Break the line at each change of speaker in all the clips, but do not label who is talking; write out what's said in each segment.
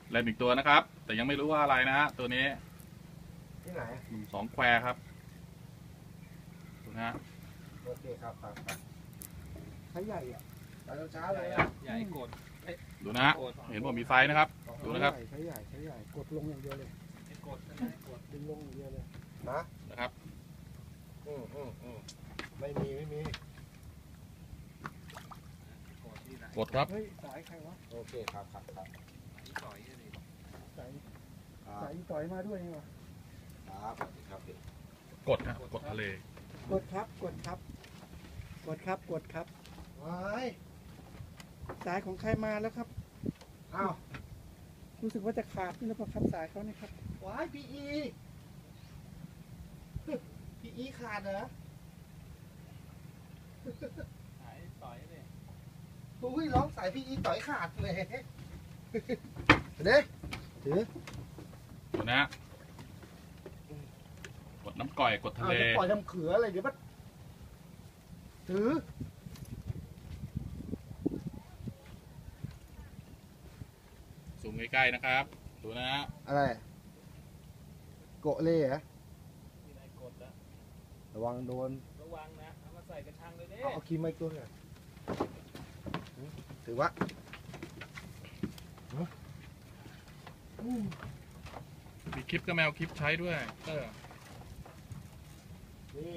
เล่นอีกตัวนะครับ แต่ยังไม่รู้ว่าอะไรนะฮะตัวนี้
ที่ไหน
หนุ่ม2 แควครับดูนะฮะ
โอเคครับใช้ใหญ่อะไปเช้าเลย
ใหญ่กด
ดูนะฮะเห็นผมมีไซส์นะครับดูนะครับ
ใช้ใหญ่กดลงอย่างเดียวเลย
กด
ดึงลงอย่างเดียวเลย
นะครับ
ไม่มี
กดครับ
เฮ้ยสายใครวะโอเคครับ
ต่อยเลย
สายต่อยมาด้วยนี่วะ
ครับกดนะกดทะเล
กดครับว้ายสายของใครมาแล้วครับอ้าวรู้สึกว่าจะขาดนี่แล้วพอครับสายเขานี่ครับว้ายพีอีขาดเหรอ
สายต่อยเลย
อุ้ยร้องสายพีอีต่อยขาดเลยเด้ถือ
ดูนะกดน้ำก่อยกดทะเล
ปล่อยทำเขืออะไรเดี๋ยวมันถือ
ซูมใกล้ๆนะครับดูนะฮะ
อะไรโกะเล่เหรอ
ที่ไหนกดแล้ว
ระวังโดน
ระวังนะเอามาใส่กระชังเลยเด้
เอาคีมไม่ตัวเนี่ยถือว่า
มีคลิปก็แมวคลิปใช้ด้วย
นี่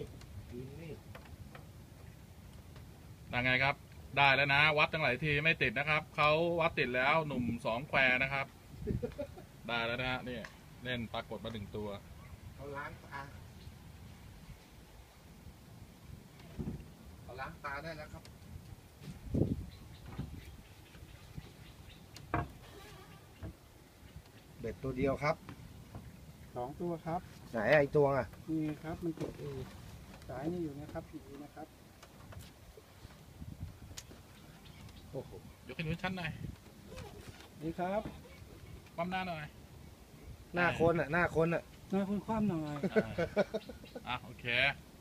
ได้ไงครับได้แล้วนะวัดตั้งหลายทีไม่ติดนะครับเขาวัดติดแล้วหนุ่ม2 แควนะครับได้แล้วนะฮะนี่เล่นปรากฏมา1 ตัว
เขาล้างตาได้แล้วครับเบ็ดตัวเดียวครับ2 ตัวครับไหนไอตัวอ่ะนี่ครับมันกดสายนี่อยู่นะครับอยู่นะครับโอ้โห
ยกขึ้นชั้นหน่อย
นี่ครับ
ความหน้าหน่อย
หน้าคนอ่ะหน้าคนคว่ำหน่อย
โอเค